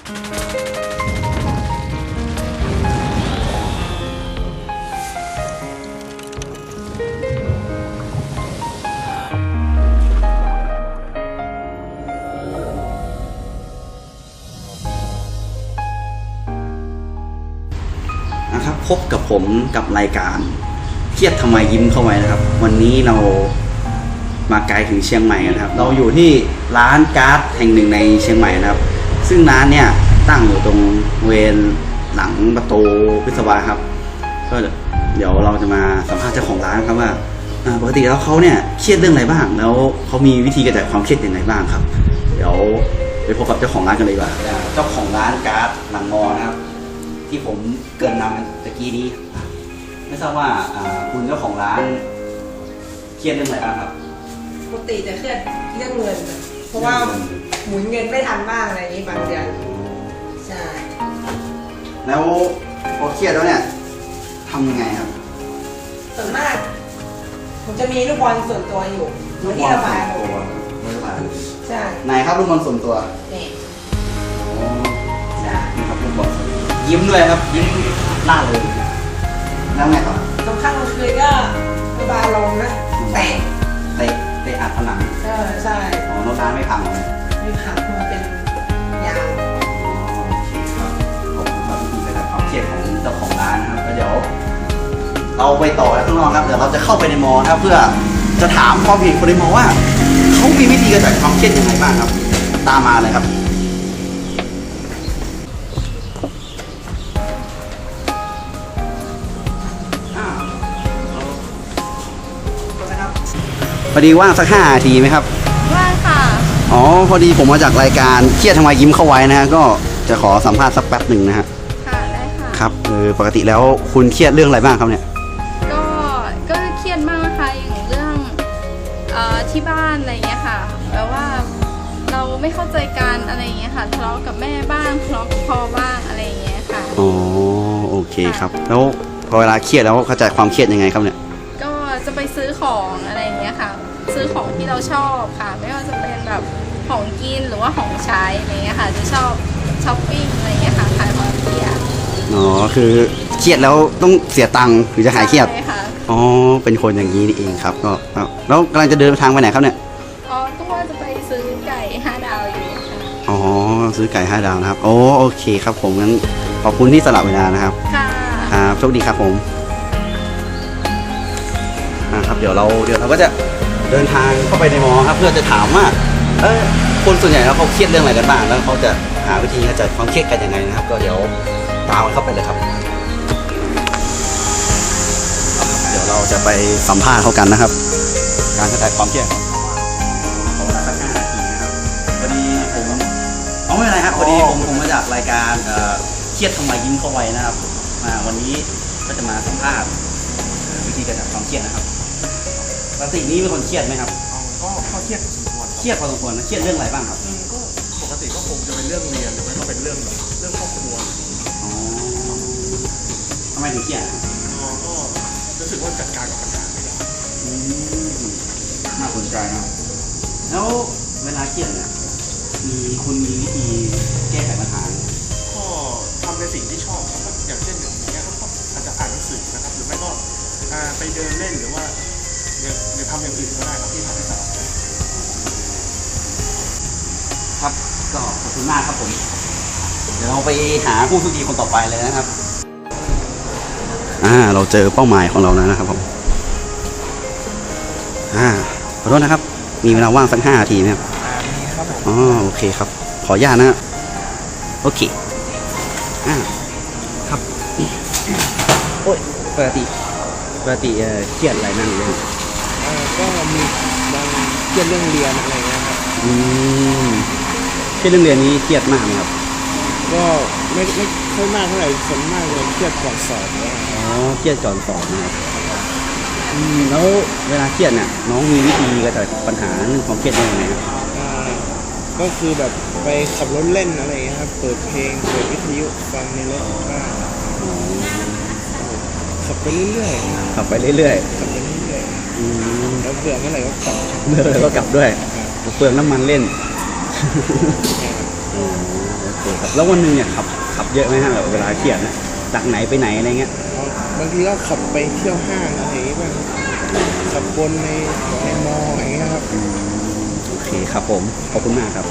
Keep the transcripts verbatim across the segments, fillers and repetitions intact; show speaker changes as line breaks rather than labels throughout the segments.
นะครับพบกับผมกับรายการเครียดทำไมยิ้มเข้าไว้นะครับวันนี้เรามาไกลถึงเชียงใหม่กันครับเราอยู่ที่ร้านการ์ดแห่งหนึ่งในเชียงใหม่นะครับซึ่งร้านเนี่ยตั้งอยู่ตรงเวรหลังประตูวิศวะครับก็เดี๋ยวเราจะมาสัมภาษณ์เจ้าของร้านครับว่าปกติแล้วเขาเนี่ยเครียดเรื่องอะไรบ้างแล้วเขามีวิธีกระจายความเครียดอย่างไรบ้างครับเดี๋ยวไปพบกับเจ้าของร้านกันเลยดีกว่าเจ้าของร้านการ์ดหลังมอนะครับที่ผมเกริ่นนำตะกี้นี้ไม่ทราบว่าคุณเจ้าของร้านเครียดเรื่องอะไรบ้างครับ
ปกติจะเครียดเรื่องเงินเพราะว่าหมุนเงินไม่ทันบ้างอะไรนี้บางเดือนใช่
แล้วพอเครียดแล้วเนี่ยทำยังไงครับ
ส่วนมากผมจะมีลูกบอลส่วนตัวอยู่ที่ระบายตัวใช่
ไหนครับลูกบอลส่วนตัว
นี่
ใช่นี่ครับลูกบอลยิ้มด้วยครับยิ้มหน้าเลยแล้วไงต่อบ
างครั้งบางคืนก็ระบายลงนะเตะ
เตะเตะอัดผนัง
ใช่ใช่
อ๋อโน้ตร้านไม่พังเลย
ไม่พังมันเป็นยาง
โอเคครับขอบคุณครับวิธีการความเครียดของเจ้าของร้านนะครับแล้วเดี๋ยวเราไปต่อข้างนอกครับเดี๋ยวเราจะเข้าไปในมอนะครับเพื่อจะถามความเห็นคนในมอว่าเขามีวิธีกระจายความเครียดยังไงบ้างครับตามมาเลยครับพอดีว่างสักห้านาทีไหมครับ
ว่างค่ะ
อ๋อพอดีผมมาจากรายการเครียดทำไมยิ้มเข้าไว้นะฮะก็จะขอสัมภาษณ์สักแป๊บหนึ่งนะฮะ
ค่ะได้ค่ะ
ครับเออปกติแล้วคุณเครียดเรื่องอะไรบ้างครับเนี่ย
ก็ก็เครียดมากค่ะอย่างเรื่องเอ่อที่บ้านอะไรเงี้ยค่ะแปลว่าเราไม่เข้าใจกันอะไรเงี้ยค่ะทะเลาะกับแม่บ้างทะเลาะกับพ่อบ้างอะไรเงี้ยค่ะ
อ๋อโอเคครับแล้วพอเวลาเครียดแล้วเข้าใจความเครียดยังไงครับเนี่ย
ก็จะไปซื้อของอะไรเงี้ยค่ะซื้อของที่เราชอบค่ะไม่ว่าจะเป็นแบบของกินหรือว่าของใช้อะไรเงี้ยค่ะจะชอบช้อปปิ้งอะไรเงี้ยค่ะขายของเครียด
อ๋อคือเครียดแล้วต้องเสียตังค์ถึงจะหายเครียด
ใช่ค่ะ
อ๋อเป็นคนอย่างนี้นี่เองครับก็แล้วกำลังจะเดินทางไปไหนครับเนี่ย
อ๋อก็ว่าจะไปซื้อไก่ห้าดาวอยู่ค่ะ
อ๋อซื้อไก่ห้าดาวนะครับโอ้โอเคครับผมงั้นขอบคุณที่สละเวลานะครับ
ค่ะ
ครับโชคดีครับผมครับเดี๋ยวเราเดี๋ยวเราก็จะเดินทางเข้าไปในมอครับเพื่อจะถามว่าเออคนส่วนใหญ่แล้วเขาเครียดเรื่องอะไรกันบ้างแล้วเขาจะหาวิธีกระจายความเครียดกันยังไงนะครับก็เดี๋ยวตามเข้าไปเลยครับเดี๋ยวเราจะไปสัมภาษณ์เขากันนะครับการกระจายความเครียดขอเวลาสักห้านาทีนะครับพอดีผมอ๋อไม่เป็นไรครับพอดีผมผมมาจากรายการเครียดทำไมยิ้มเข้าไว้นะครับมาวันนี้ก็จะมาสัมภาษณ์วิธีกระจายความเครียดนะครับปกตินี้เป็นคนเครียดไหมครับ
ก็ก็เครียดพอสมควร
เครียดพอสมควรนะเครียดเรื่องอะไรบ้างครับ
ก็ปกติก็คงจะเป็นเรื่องเรียนหรือไม่ก็เป็นเรื่องเรื่องครอบครัว
อ๋อทำไมถึงเครียด
ก็รู้สึกว่าจัดการกับปัญหาไม่ได้
น่าสนใจนะแล้วเวลาเครียดเนี่ยมีคุณมีวิธีแก้ไขปัญหา
ก็ทำในสิ่งที่ชอบอย่างเช่นอย่างเงี้ยก็อาจจะอ่านหนังสือนะครับหรือไม่ก็ไปเดินเล่นหรือว่าหรือทำอย่างอื่นก็ได้ครับที่ทำให้สบาย
ครับก็ขอบคุณมากครับผมเดี๋ยวเราไปหาผู้โชคดีคนต่อไปเลยนะครับอ่าเราเจอเป้าหมายของเราแล้วนะครับผมอ่าขอโทษนะครับมีเวลาว่างสักห้านาทีไหมครับ
มีครับผม
อ๋อโอเคครับขออนุญาตนะโอเคอ่าครับโอ้ยปกติปกติเครียดอะไรนั่งเลย
ก็มีบางเครียดเรื่องเรียนอะไรเงี้ยครับ
อืมเครียดเรื่องเรียนนี้เครียดมากไหมครับ
ก็ไม่ไม่ค่อยมากเท่าไหร่ส่วนมากเลยเครียดก่อนสอบเนี่ย
อ๋อเครียดก่อนสอบนะครับอืมแล้วเวลาเครียดเนี่ยน้องมีวิธีกระจายปัญหาเรื่องความเครียดยังไงครับ
ก็คือแบบไปขับรถเล่นอะไรเงี้ยครับเปิดเพลงเปิดวิทยุฟังในรถบ้างขับไปเรื่อย
ๆขับไปเรื่อย
ๆขับไปเรื่อยๆแล้วเบื่อเมื่อไหร่ก็กลับ
เมื่อไหร่ก็กลับด้วยเปลืองน้ำมันเล่นโอเคเคครับแล้ววันหนึงเนี่ยขับขับเยอะไหมฮะแบบเวลาเครียดนะจากไหนไปไหนอะไรเงี้ย
บางทีก็ขับไปเที่ยวห้างอะไรอย่างเงี้ยบ้างขับบนในในมออย่างเงี้ยครับ
โอเคครับผมขอบคุณมากครับ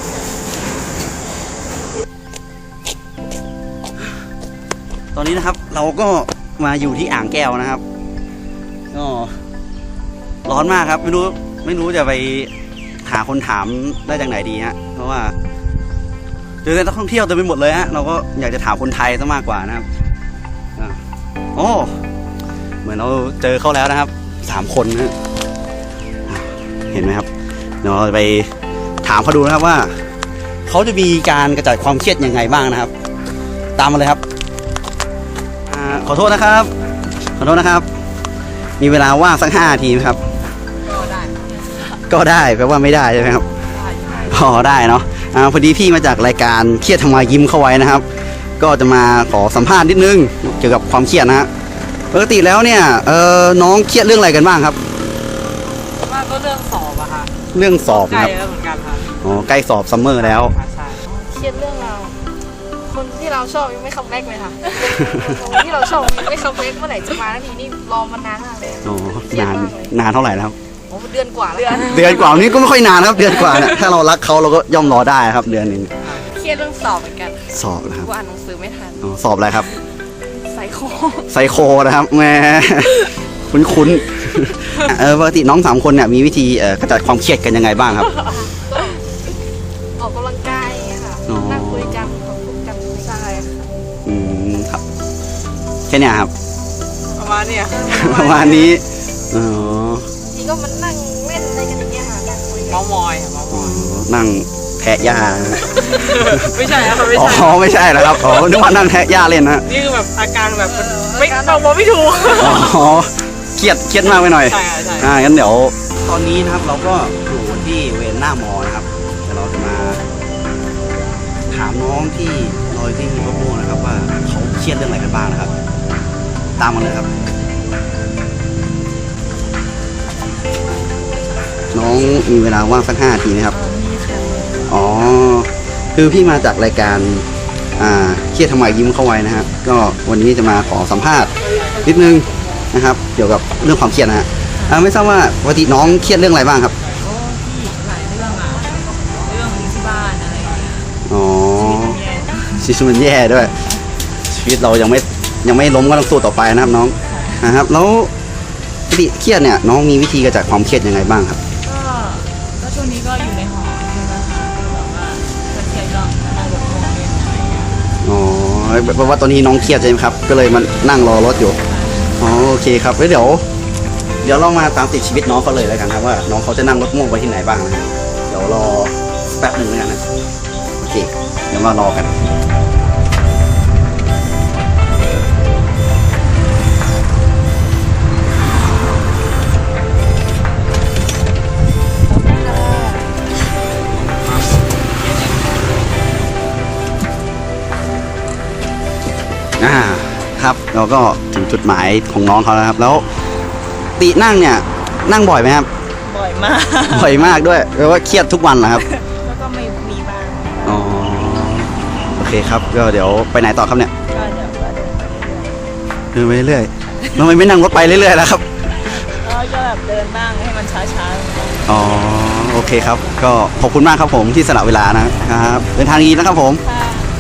ตอนนี้นะครับเราก็มาอยู่ที่อ่างแก้วนะครับก็ร้อนมากครับไม่รู้ไม่รู้จะไปหาคนถามได้จากไหนดีฮะเพราะว่าเจอแต่นักท่องเที่ยวเต็มไปหมดเลยฮะเราก็อยากจะถามคนไทยซะมากกว่านะครับอ่ะโอ้เหมือนเราเจอเขาแล้วนะครับสามคนนะเห็นไหมครับเดี๋ยวเราไปถามเขาดูนะครับว่าเขาจะมีการกระจายความเครียดยังไงบ้างนะครับ ตามมาเลยครับอ่าขอโทษนะครับขอโทษนะครับ มีเวลาว่างสักห้านาทีไหมครับ
ก็ได้
ก็ได้แปลว่าไม่ได้ใช่ไหมครับอ๋อได้เนาะอ่าพอดีพี่มาจากรายการเครียดทำไมยิ้มเข้าไว้นะครับ ก็จะมาขอสัมภาษณ์นิดนึงเกี่ยวกับความเครียดนะฮะปกติแล้วเนี่ยเออน้องเครียดเรื่องอะไรกันบ้างครับ
ว่าก็เรื่องสอบอะค่ะ
เรื่องสอบ
ใกล้
นะครับ
แล้วเหมือนกันค่ะ
อ๋อใกล้สอบซัมเมอร์แล้ว
ค่ะใช่
เครียดเรื่องเรา คนที่เราชอบยังไม่คัมแบ็กเลยค่ะ คนที่เราชอบยังไม่คัมแบ็กเมื่อไหร่จะมาแล้วทีนี่รอมานานมากเลย
อ๋อนานนานเท่าไหร่แล้วครับ
โอ้เดือนกว่าแล้ว
เดือนกว่านี้ก็ไม่ค่อยนานนะครับ เดือนกว่าเนี่ยถ้าเรารักเขาเราก็ย่อมรอได้ครับ เดือนหนึ่ง
เครียดเรื่องสอบเหมือนกัน
สอบนะครับ
กูอ่านหนังสือไม่ทัน
อ๋อสอบอะไรครับ
ไซโค
ไซโคนะครับแหม่ คุ้นคุ้นๆเออปกติน้องสามคนเนี่ยมีวิธีเอ่อกระจัดความเครียดกันยังไงบ้างครับ
ก็ออกกำลังกายอย่างเงี้ยค่ะ
อ๋อ
นั่งคุยกันขอบคุณกันใช่ค่ะ
อืมครับแค่เนี้ยครับ
ประมาณเนี้ย
ประมาณนี้อ๋อ
ทีก็มันนั่งเล่นอะไรกันอย่างเงี้ยค่ะนั่งคุยกั
เมาน มอยค่ะเมาม
อ๋
อ
อย นั่งแทะหญ้า
ไม่ใช่ค่ะไม่
อ๋
ใช่
อไม่ใช่แล้วครับอ๋อนึกว่านั่งแทะหญ้าเล่นนะ
นี่คือแบบอาการแบบมันไม่เราบอกไม่ถูก
อ๋อเครียดเครียดมากไปหน่อย
ใช่ค่ะใช่
อ่างั้นเดี๋ยวตอนนี้นะครับเราก็อยู่ที่เวรหน้ามอนะครับเดี๋ยวเราจะมาถามน้องที่ลอยที่รถโม่นะครับว่าเขาเครียดเรื่องอะไรกันบ้างนะครับ ตามมาเลยครับ น้องมีเวลาว่างสักห้านาทีไหมครับอ๋อคือพี่มาจากรายการอ่าเครียดทำไมยิ้มเข้าไว้นะฮะก็วันนี้จะมาขอสัมภาษณ์นิดนึงนะครับ เกี่ยวกับเรื่องความเครียดนะฮะอ่าไม่ทราบว่าปกติน้องเครียดเรื่องอะไรบ้างครับ
โอ้พี่หลายเรื่องอะเรื่องที่บ้านอะไรอย่างเงี้ย
อ๋อ
ชีวิตมันแย่
ชีวิตมันแย่ด้วย ชีวิตเรายังไม่ยังไม่ล้มก็ต้องสู้ต่อไปนะครับน้องนะครับ แล้วปกติเครียดเนี่ยน้องมีวิธีกระจัดความเครียดยังไงบ้างครับ
ก็ก็ช่วงนี้ก็อยู่ในหอใช่ไหมคะแบบว่าถ้าเครียดก็มานั่งรถโรงเรียนอะไรอย่างเงี้ย
อ๋อแปลว่าตอนนี้น้องเครียดใช่ไหมครับ ก็เลยมานั่งรอรถอยู่ อ๋อโอเคครับแล้วเดี๋ยว เดี๋ยวเรามาตามติดชีวิตน้องเขาเลยแล้วกันครับว่าน้องเขาจะนั่งรถม่วงไปที่ไหนบ้างนะเดี๋ยวรอแป๊บหนึ่งแล้วกันนะโอเคเดี๋ยวมารอกันอ่าครับเราก็ถึงจุดหมายของน้องเขาแล้วครับ แล้วตินั่งเนี่ยนั่งบ่อยไหมครับ
บ่อยมาก
บ่อยมากด้วยแปลว่าเครียดทุกวันเหรอครับ
แล้วก็ไม่มีบ้าง
อ๋อโอเคครับก็เดี๋ยวไปไหนต่อครับเนี่ย
ก็เดี๋ยวก็เดินไปเรื่อย
เดินไปเรื่อยๆทำไมไม่นั่งรถไปเรื่อยๆแล้วครับ
ๆแล้วก็แบบเดินบ้างให้มันช้าๆ
อ๋อโอเคครับ ก็ขอบคุณมากครับผมที่สละเวลานะครับเดินทางดีนะครับผม
ค่ะ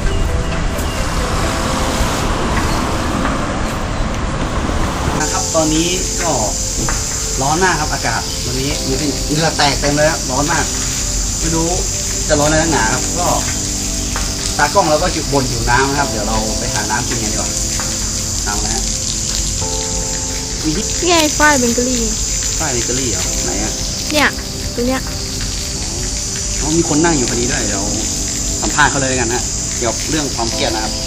นะครับตอนนี้ก็ร้อนมากครับอากาศวันนี้มีเหงื่อแตกเต็มเลยครับร้อนมากไม่รู้จะร้อนอะไรนักหนาครับก็ตากล้องเราก็จุดบนอยู่น้ำนะครับ เดี๋ยวเราไปหาน้ำกินกันดีกว่าน้ำนะฮะมีที่
นี่ไงฝ้ายเบเกอรี่
ป้ายเบเกอรี่เหรอไหนอ่ะ
เนี่ยตัวเนี้ย
อ๋อมีคนนั่งอยู่พอดีด้วยเดี๋ยวสัมภาษณ์เขาเลยแล้วกันฮะเกี่ยวกับเรื่องความเครียดนะครับ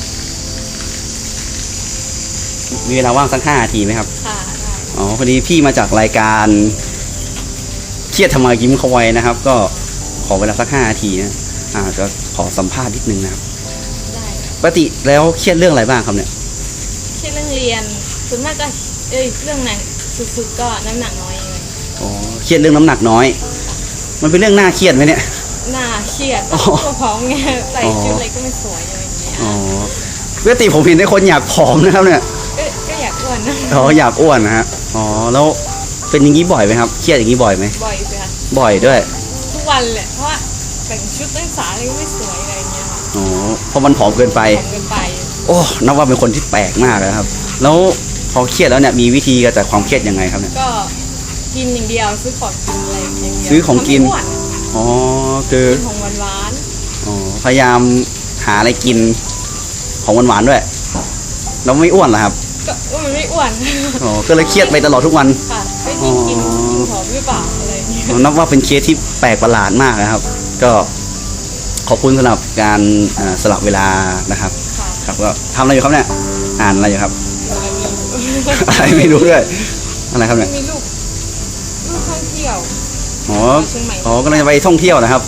มีเวลาว่างสักห้านาทีไหมครับ
ค่ะได้
อ๋อพอดีพี่มาจากรายการเครียดทำไมยิ้มเขาไว้นะครับ ก็ขอเวลาสักห้านาทีนะอ่าจะขอสัมภาษณ์นิดนึงนะครับ
ได้
ปกติแล้วเครียดเรื่องอะไรบ้างครับเนี่ย
เครียดเรื่องเรียนส่วนมากก็เอ้ยเรื่องไหนสุดๆก็น้ำหนักน้อยเอง
อ๋อเครียดเรื่องน้ำหนักน้อย มันเป็นเรื่องน่าเครียดไหมเนี่ย
หน้าเครียด
อ๋อ
ตัวพร้อมไงใส่
อ๋อ
ชุดอะไรก็ไม่สวยอะไรอย่างเงี้ย
อ๋อปกติผมเห็นได้คนอยากผอมนะครับเนี่ย
ก็ก็อยากอ้วนนะ
อ๋ออยากอ้วนนะฮะอ๋อแล้วเป็นอย่างนี้บ่อยไหมครับเครียดอย่างนี้บ่อยไหม
บ่อยสิค่ะ
บ่อยด้วย
ทุกวันแหละเพราะว่าแต่งชุดนักศึกษาอะไรก็ไม่สวยอะไรอย่างเงี้ยค่ะ
อ๋อเพราะมันผอมเกินไป
ผอมเกินไป
โอ้นับว่าเป็นคนที่แปลกมากเลยครับ แล้วพอเครียดแล้วเนี่ยมีวิธีกระจัดความเครียดยังไงครับเนี่ย
ก็กินอย่างเดียวซื้อของกินอะไรอย่างเดียว
ซื้อของกิน
ทำให้อ้วน
อ๋อคือ
กินของหวาน
อ๋อพยายามหาอะไรกินของหวานๆด้วยแล้วไม่อ้วนเหรอครับ
ๆก็เออมันไม่อ้วน
อ๋อก็เลยเครียดไปตลอดทุกวัน
ค่ะไม่กินกินกินผอมหรือเปล่าอะไรอย่างเงี้ย
นับว่าเป็นเคสที่แปลกประหลาดมากนะครับ ก็ขอบคุณสำหรับการอ่าสลับเวลานะครับ
ค่ะ
ครับก็ทำอะไรอยู่ครับเนี่ยอ่านอะไรอยู่ครับ
แล้วมี
อะไรไม่รู้ด้วยอะไรครับเนี่ย
มีลูกลูกท่องเที่ยว
อ๋อ
เชียงใหม่
อ๋อกำลังจะไปท่องเที่ยวนะครับ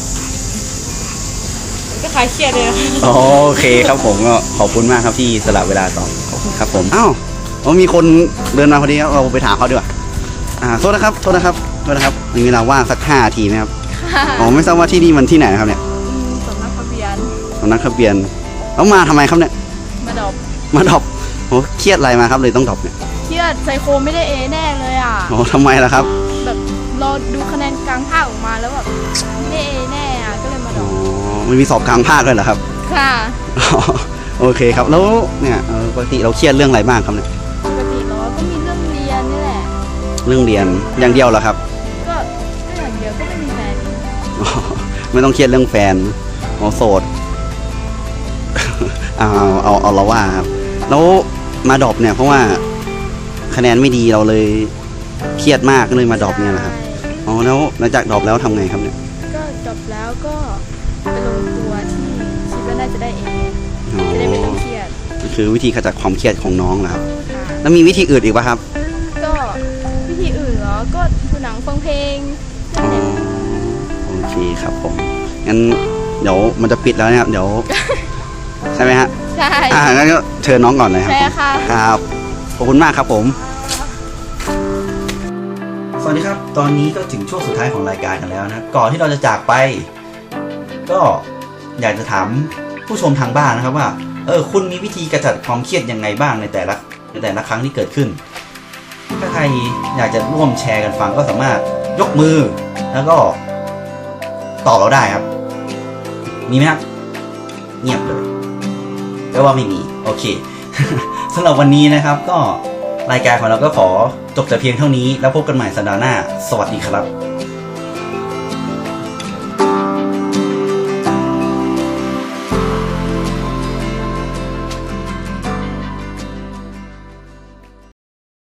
ก็คลายเครียดเลยนะ
อ๋อโอเคครับผมก็ขอบคุณมากครับที่สละเวลาตอบขอบคุณครับผมอ้าวอ๋อมีคนเดินมาพอดีครับเราไปถามเขาดีกว่าอ่าโทษนะครับโทษนะครับโทษนะครับมีเวลาว่างสักห้านาทีไหมครับ
ค่ะ
อ๋อไม่ทราบว่าที่นี่มันที่ไหนนะครับเนี่ย
อืมสำนักทะเบียน
สำนักทะเบียนแล้วมาทำไมครับเนี่ย
มาดรอป
มาดรอปโอ้เครียดอะไรมาครับเลยต้องดรอปเนี่ย
เครียดไซโคไม่ได้เอแน่เลยอ่ะ
อ๋อทำไมล่ะครับ
แบบรอดูคะแนนกลางภาคออกมาแล้วแบบไม่ได้เอแน่อ่ะก็เลยมาดร
อ๋
อ
อ
ป
มันมีสอบกลางภาคด้วยเหรอครับ
ค่ะ
อ๋อโอเคครับแล้วเนี่ยเอ่อปกติเราเครียดเรื่องอะไรบ้างครับเนี่ย
ปกติเราก็มีเรื่องเรียนนี่แหละ
เรื่องเรียนอย่างเดียวเหรอครับ
ก็ก็อย่างเดียวก็ไม่มีแฟน
อ๋อไม่ต้องเครียดเรื่องแฟนอ๋อโสด เอาเอาเอาเราว่าครับแล้วมาดรอปเนี่ยเพราะว่าคะแนนไม่ดีเราเลยเครียดมากก็เลยมาดรอปเนี่ยนะครับอ๋อแล้วหลังจากดรอปแล้วทำไงครับเนี่ย
ก็จบแล้วก็ไปลงตัวที่คิดว่าน่าจะได้เอ
อ๋อ
จะได้ไม่ต้องเครียด
คือวิธีขจัดความเครียดของน้องนะครับ
ค่ะ
แล้วมีวิธีอื่นอีกป่ะครับ
ก็วิธีอื่นเหรอก็ดูหนังฟังเพลง
อ๋อโอเคครับผมงั้นเดี๋ยวมันจะปิดแล้วนะครับเดี๋ยว ใช่ไหมฮะ
ใช่
อ่างั้นก็เชิญน้องก่อนเลยครับ
ใช่
ผม
ค่ะ
ครับขอบคุณมากครับผม สวัสดีครับ ตอนนี้ก็ถึงช่วงสุดท้ายของรายการกันแล้วนะครับก่อนที่เราจะจากไป ก็อยากจะถามผู้ชมทางบ้านนะครับว่าเออคุณมีวิธีกระจัดความเครียดยังไงบ้างในแต่ละในแต่ละครั้งที่เกิดขึ้น ถ้าใครอยากจะร่วมแชร์กันฟังก็สามารถยกมือแล้วก็ตอบเราได้ครับ มีไหมครับเงียบเลยแปลว่าไม่มีโอเค สำหรับวันนี้นะครับก็รายการของเราก็ขอจบแต่เพียงเท่านี้แล้วพบกันใหม่สัปดาห์หน้าสวัสดีครับ